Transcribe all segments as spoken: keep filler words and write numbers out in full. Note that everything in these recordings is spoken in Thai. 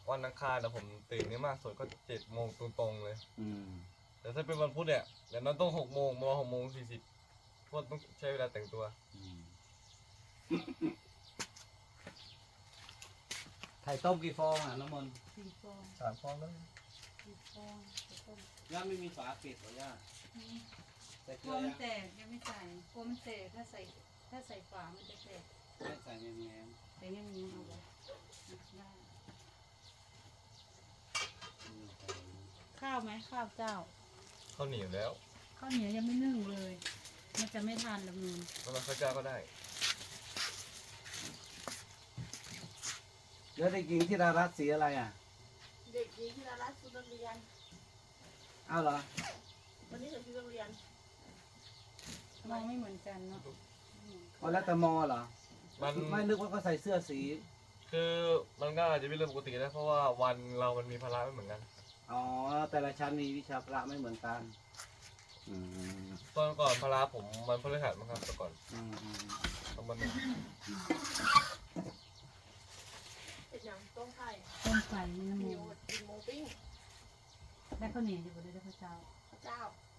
วันอังคารนะผมตื่นนี่มากสุดก็เจ็ดโมงตรงๆเลยอืมแต่ถ้าเป็นวันพุธเนี่ยเดี๋ยวนั้นต้องหกโมงมาหกโมงสี่สิบเพราะต้องใช้เวลาแต่งตัวอืมไข่ต้มกี่ฟองอ่ะน้ำมันสี่ฟองสามฟองแล้วสี่ฟองแล้วก็ย่าไม่มีฝาปิดเหรอย่านี่ใส่เกกลืลัอวมัยันงแตกยังไม่ใส่กลัวมันแตกถ้าใส่ถ้าใส่ฝามันจะแตกไม่ใส่แง้มแต่ยังมีเอาไว้ได้ๆอืมใส่ข้าวไหมข้าวเจ้าข้าวเหนียวแล้วข้าวเหนียวยังไม่นึ่งเลย มันจะไม่ทานลำนูนแล้วเราข้าวเจ้าก็ได้แล้วเด็กหญิงที่ดารัตสีอะไรอ่ะเด็กหญิงที่ดารัตชุดนักเรียนอ้าวเหรอวันนี้ใส่ชุดนักเรียนมองไม่เหมือนกันเนาะอ๋อแล้วแต่มอเหรอมันไม่นึกว่าเขาใส่เสื้อสีคือมันก็อาจจะเป็นเรื่องปกตินะเพราะว่าวันเรามันมีภาระไม่เหมือนกันอ๋อแต่ละชั้นมีวิชาพระไม่เหมือนกันอืมตอนก่อนภาระผมมันพฤหัสมั้งครับแต่ก่อนอืมอืมตอนมันหนึ่งเป็นอย่างต้มไข่ต้มไก่นี่น้ำมีมันหมดกินหมูปิ้งได้ข้าวเหนียวอยู่บนได้ข้าวเจ้าข้าวเจ้า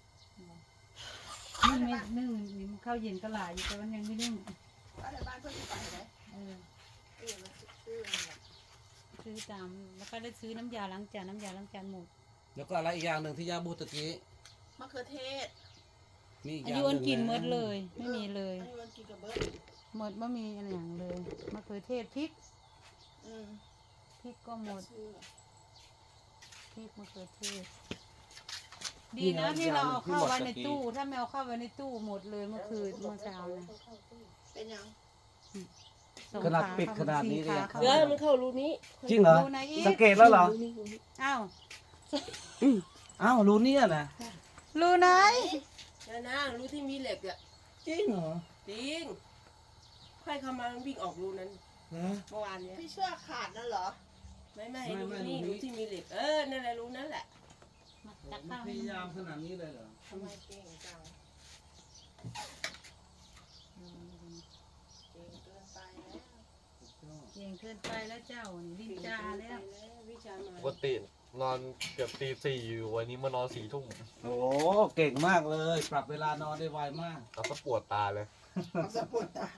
นึ่งไม่นึ่งนี่มันข้าวเย็นก็หลายอยู่แต่มันยังไม่นึ่งว่าแต่บ้านเพื่อนที่ไปไหนเออเออมันซื้อมันแบบซื้อตามแล้วก็ได้ซื้อน้ำยาล้างจานน้ำยาล้างจานหมดแล้วก็อะไรอีกอย่างหนึ่งที่ย่าบูดตะกี้มะเขือเทศมีอีกออาย่างยุหอันนึ่งกินหมะดเลย ไม่มีเลยอันนี้มันกินกับเบิร์ดหมดไม่มีอะไรอย่างเลยมะเขือเทศพริกอืมพริกก็หมดซื้อพริกมะเขือเทศดีนะที่เราเอาเข้าไว้ในตู้ ถ้าไม่เอาเข้าไว้ในตู้หมดเลยเมื่อคืนเมื่อเช้านะเป็นอย่างสองขนาดขาปิดขนาดนี้สี่เลยขายังเข้าเดี๋ยวมันเข้ารูนี้จริงเหรอรูไหนอีกสังเกตแล้วเหรอรูนี้รูนี้อ้าวอ้าวรู้เนี่ยนะรูไหนนะนะรูที่มีเหล็กอ่ะจริงเหรอจริงค่อยเข้ามาวิ่งออกรูนั้นฮะเมื่อวานเนี้ยพี่เชื่อขาดนั่นเหรอ ไม่ไม่รูนี้รูที่มีเหล็ก เออนั่นแหละรูนั่นแหละมาจักมัข้าน วพยายามขนาดนี้เลยเหรอทำไมเก่งจังเก่งเกินไปแล้วเก่งเกินไปแล้วเจ้านี่ลิ้นจาแล้ววิชามาปกตินอนเกือบตีสี่อยู่วันนี้มานอนสี่ทุ่มโอ้เก่งมากเลย ปรับเวลานอนได้ไวมากเราก็ปวดตาเลยเอาสะปวดตา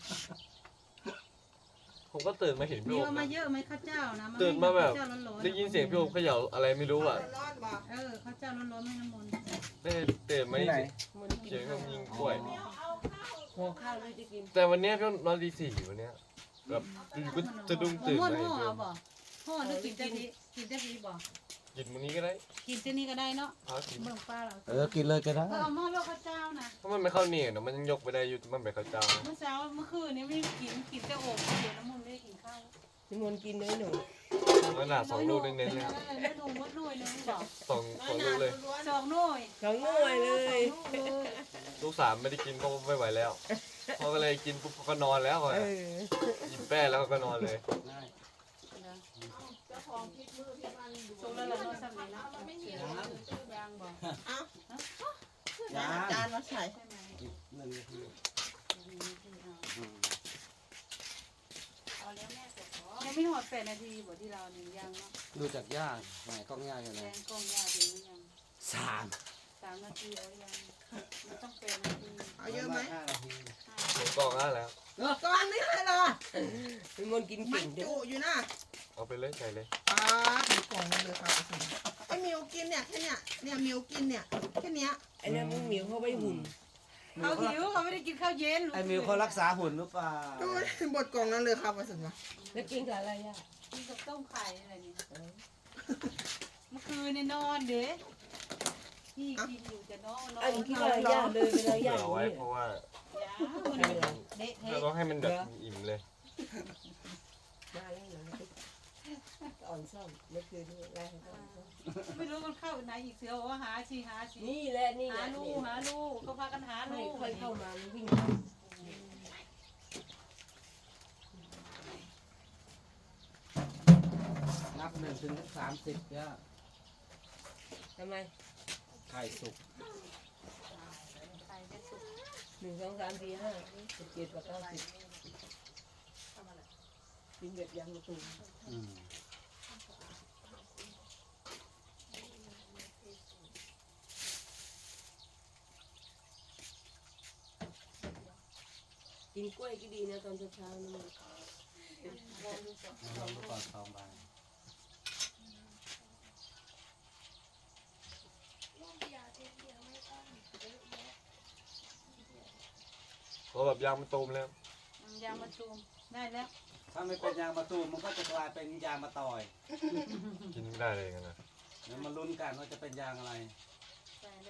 ผมก็ตื่นมาเห็นพี่มีโอเอามมานะเยอะไหมข้าวเจ้านะตื่นมาแบบข้วเจ้ร้อนๆได้ยินเสียงพี่โอมเขย่าอะไรไม่รู้อ่ะร้อนบอกเออข้าวเจ้าร้อนๆไม่น้ำมนต์ได้ตื่นมาที่ไหนมันกินเสียงข้าวยิงกล้วยหัวข้าวเลยจะกินแต่วันเนี้ยพี่โอมนอนตีสี่วันเนี้ยแบบอยู่ก็จะดุ้งตื่นห่อเลยห่อพี่โอเอามบ่ห่อหรือกินแต่นี้กินแต่นี้บ่กินวันนี้ก็ได้กินแต่นี้ก็ได้เนาะพากินเบิ่งป้าเราเออ กินเลยก็ได้เออเอาหม้อลวกข้าวเจ้านะถ้ามันไม่เข้าเนี่ยเดี๋ยวมันยังยกไปได้อยู่มันแบบข้าวเจ้าเมื่อเช้าเมื่อคืนนี้ไม่ได้กินกินแต่โอ่งเดี๋ยวน้ำมันต์ไม่ได้กินข้าวนิมนต์กินน้อยหนูขนาดสองลูกเน้นๆเลยแล้วดูมดหน่วยนึงบอกสองสองลูกเลยสองหน่วยสองหน่วยเลยสองหน่วยลูกสามไม่ได้กินเพราะว่าไม่ไหวแล้วเขาก็เลยกินปุ๊บเขาก็นอนแล้วอะเออกินแป้แล้วก็นอนเลยได้เจ้าของพริกมือพริกมันดูส่งแล้วเราโน้ตสมัยนะไม่มียางบอกเอ้ายังจานมาใส่ใช่ไหมอีกหนึ่งนาทีอืมเอาแล้วแม่จะขอยังไม่หอดแปดนาทีบอกที่เราเนี่ยยังเนาะดูจากย่าไหนกล้องย่าอยู่ไหแกนงกล้องยาถึงหรือยังสามสามนาทีเอายังมันต้องแปดนาทีเอาเยอะไหมห้านาทีหมูกรองได้แล้วก้อนนี้เลยเหรอนิมนต์กินมัเก่นงด้วจุยอยู่นะเอาไปเลยใส่เลยป้าถึงกล่องเลยค่ะไอ้มิวกินเนี่ยแค่เนี้ยเนี่ยมิวกินเนี่ยแค่เนี้ยไอ้นั่นมึงหมิวเข้าไปหุ่นเขาหิวเขาไม่ได้กินข้าวเย็นไอ้มิวเขารักษาหุ่นหรือเปล่าดูบทกล่องนั้นเลยค่ะประสิทธิ์วะแล้วกินกับอะไรอ่ะกินกับต้มไข่อะไรเนี่ยเมื่อคืนนี่นอนเด้พี่กินอยู่แต่นอนนอนอันคิดว่าย่าเลยเวลาเผื่ย่าอไว้เพราะว่าอย่ามันเละเราเทะต้องให้มันแบบอิ่มเลยมาแล้วเหรออ่อนซ่อมเมื่อคืนนี้ไล่ให้อ่อนซ่อมไม่รู้มันเข้าไหนอีกเสือบอกว่าหาชีหาชีนี่แหละนี่แหหาละลูกหาลูกเขาพากันหาไม่ลูกค่อยเข้ามามันวิ่งเข้านับหนึ่งถึงสามสิบย่าทำไมไข่สุกไข่จะสุกหนึ่งสองสามสี่ห้าสิบเจ็ดแปดเก้าสิบกินแบบยำมะตูมอืมกินกล้วยก็ดีนะตอนเช้าๆนี่มันลองดูก่อนลองดูก่อนสองใบเพราะแบบยางมันตูมแล้วยางมะตูมได้แล้วถ้าไม่เป็นยางมะตูมมันก็จะกลายเป็นยางมะตอยกินไม่ได้เลยกันนะเดี๋ยวมาลุ้นกันว่าจะเป็นยางอะไรใส่เลย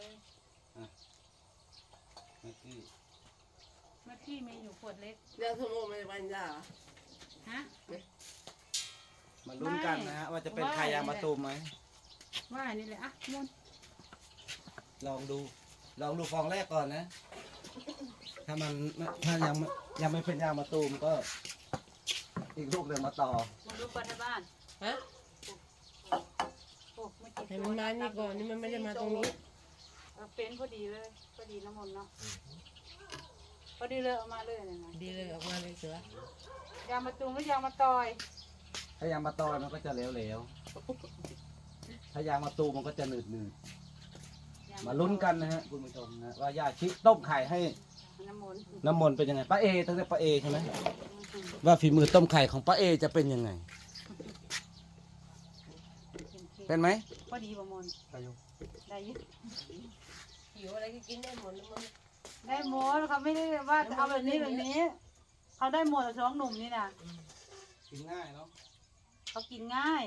เมื่อกี้เมื่อกี้มีอยู่ขวดเล็กเดี๋ยวสมมติมันวันยาฮะมาลุ้นกันนะฮะว่าจะเป็นใครยางมะตูมไหมว่านี่เลยอ่ะมุนลองดูลองดูฟองแรกก่อนนะ ถ้ามันถ้ายังไม่ยังไม่เป็นยางมะตูมก็ อีกลูกหนึ่งมาต่อมาดูก่อนในบ้านฮะโอ้ไม่กี่ให้ตัมัวนมานี่ก่อนนี่มันไม่ได้มาตรงนี้เอาเป็นพอดีเลยพอดีน้ำมนต์เนาะพอดีเลยเอามาเลยเนี่ยนะดีเลยออกมาเลยเสือยางมะตูมหรือยางมะตอยถ้ายางมะตอยมันก็จะเหลวๆถ้ายางมะตูมมันก็จะหนืดยงๆมาลุ้นกันนะฮะคุณผู้ชมนะว่าย่าชิต้มไข่ให้น้ำมนต์น้ำมนต์เป็นยังไงป้าเอตั้งแต่ป้าเอใช่ไหมว่าฝีมือต้มไข่ของป้าเอจะเป็นยังไง เป็นไหมพอดีประมนต์อายุได้อยิหิวอะไรก็กินได้หมดแล้วมันได้หมดเขาไม่ได้ว่าจะเอาแบบนี้แบบนี้ เขาได้หมดสองหนุ่มนี่นะกินง่ายเนาะเขากินง่าย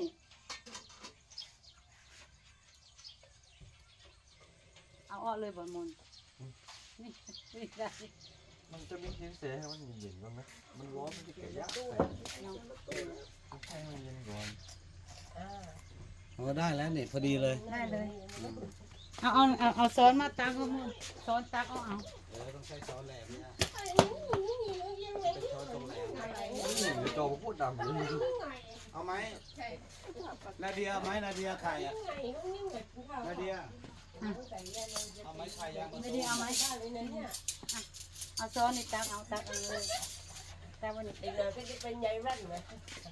เอาออกเลยบอลมนนี่นี่ได้มันจะมีชิ้นเสียให้มันเย็นๆบ้างไหมมันร้อนมันจะเกิดยากใส่มันให้มันเย็นก่อนอ่าโอ้ได้แล้วนี่พอดีเลยได้เลย เอาเอาเอาเอาซ้อนมาตักเอามือซ้อนตักเอาเอาเออต้องใช้ช้อนแหลมเนี่ยเป็นช้อนตรงแหลมนี่โจพูดดำเลยเอาไหมนาเดียเอาไหมนาเดียไข่อะนาเดียเอาไหมไข่ยางมะไม่ตูได้มเอาไหมเลยนะเนี่ยเอาซ้อนนี่ตักเอาตักเอาเลยตักวันนี้อีกหน่อยก็จะเป็นใยแว่นนะ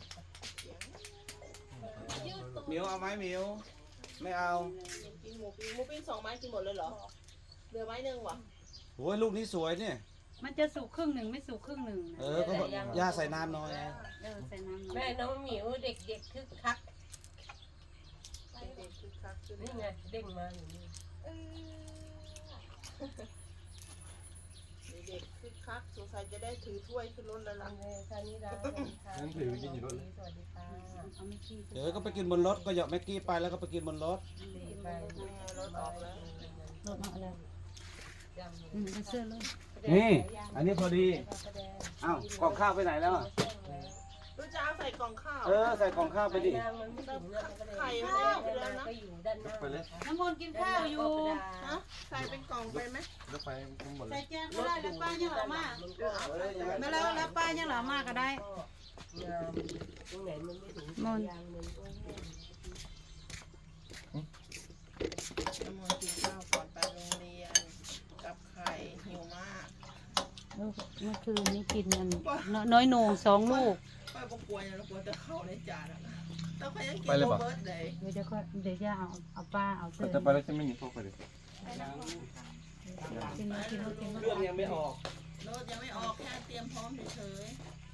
หมิวเอาไหมหมิวไม่เอากินหมูปิ้งหมูปิ้งสองไม้กินหมดเลยเหรอเหลือไม้หนึ่งวะโอ้ยลูกนี้สวยเนี่ยมันจะสุกครึ่งหนึ่งไม่สุกครึ่งหนึ่งเออก็บอกย่าใส่น้ำน้อยไงเออใส่น้ำหน่แม่อยน้องหมิวเด็กๆคึกคักเด็กๆคือคักคือนี่ไงเด้งมาอย่างนี้เด็กๆคือคักสงสัยจะได้ถือถ้วยขึ้นรถแล้วล่ะทางนี้ร้านสวัสดีค่ะนั่นถือกินอยู่รถสวัสดีค่ะเอาไม่ขี้เดี๋ยวก็ไปกินบนรถก็เหยาะแม็กกี้ไปแล้วก็ไปกินบนรถไปรถออกแล้วรถเอาอะไรอืมเอาเสื้อเลยนี่ อันนี้พอดีอ้าวกล่องข้าวไปไหนแล้วอะรู้จะเอาใส่กล่องข้าวเออใส่กล่องข้าวไปดิไข่มันได้ไปแล้วนะก็อยู่ด้านหน้าไปเลยน้ำมนต์กินข้าวอยู่ฮะใส่เป็นกล่องไปไหมแล้วไปทั้งหมดเลใส่ยแจงก็ได้แล้วป้ายังเหลือมาเออยังไงมาแล้วแล้วป้ายังเหลือมาก็ได้งามตรงไหนมันไม่ถึงมนต์ยางมันก็แห้งน้ำมันกินข้าวก่อนไปโรงเรียนกับไข่หิวมากเมื่อคืนนี้กินมันน้อยโหน่งสองลูกป้าก็กลัวอย่างเรากลัวจะเข้าในจานอะต้องไปยังกินโรเบิร์ตเลยเดี๋ยวเดี๋ยวก็เดี๋ยวจะเอาเอาป้าเอาเสื้อแต่ไปแล้วจะไม่มีพวกไปเลยกินมากินมากินมาเครื่องยังไม่ออกรถยังไม่ออกแค่เตรียมพร้อมเฉย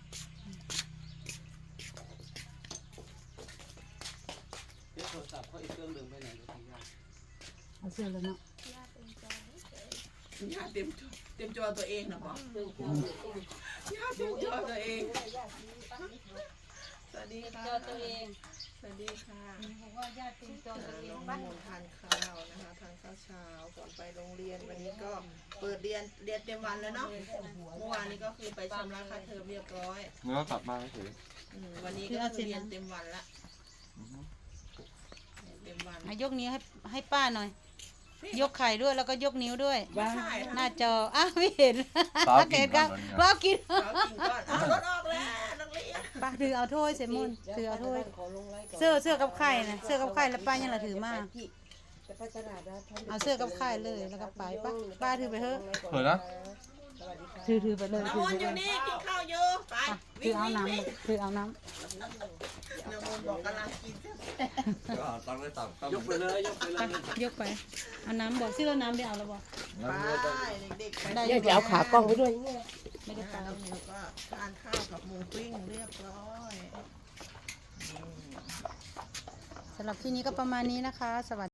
เดี๋ยวโทรศัพท์เขาอีกเครื่องหนึ่งไปไหนก็ทีย่าเอาเสื้อแล้วเนาะๆย่าเตรียมจอเตรียมจอตัวเองนะบอกย่าเตรียมจอตัวเองสวัสดีค่ะจอตัวเองสวัสดีค่ะบอกว่าญาติเป็นจอตัวเองน้องบ้านมนทานข้าวนะคะทานข้าวเช้าก่อนไปโรงเรียนวันนี้ก็เปิดเรียนเรียนเต็มวันแล้วเนาะเมื่อวานนี้ก็คือไปชำระค่าเทอมเรียบร้อยเนื้อกลับมาเฉยอืมวันนี้ก็คือเรียนเต็มวันละเต็มวันยกนิ้วให้ให้ป้าหน่อย ยกไข่ด้วยแล้วก็ยกนิ้วด้วยไม่ใช่หน้าจออ้าวไม่เห็นเห็นครับป้ากินเรากินก่อนเอารถออกแล้วนักเรียนป้าถือเอาถ้วยเสมุนถือเอาถ้วยขอลงไลน์ก่อนเสื้อเสื้อกับไข่นะเสื้อกับไข่แล้วป้ายังละถือมาจะไปตลาดนะท่นเอาเสื้อกับไข่เลยแล้วก็ไปป้าป้าถือไปเถอะเปิดนะสวัสดีค่ะถือถือไปเลยน้ำถือมไปนต์อเลยู่ยนี่กินข้าวอยู่ไปถืวิ่อง เอาวิ่งน้วิ่งำถือเอาน้น้ำมนต์บอกกำลังกินก็ตั้งได้ต่ำยกไปเลยยกไปำเลไปยยกไปเอาน้ำบอกซิเราน้ำได้เอาแล้วบอกไปเด็กๆไปได้เดี๋ยวจะเอาขากล้องไปด้วยเนี่ยไม่ได้ไปนแล้วมิวก็ทานข้าวกับหมูปิ้งเรียบร้อยนี่สำหรับที่นี้ก็ประมาณนี้นะคะ สวัสดี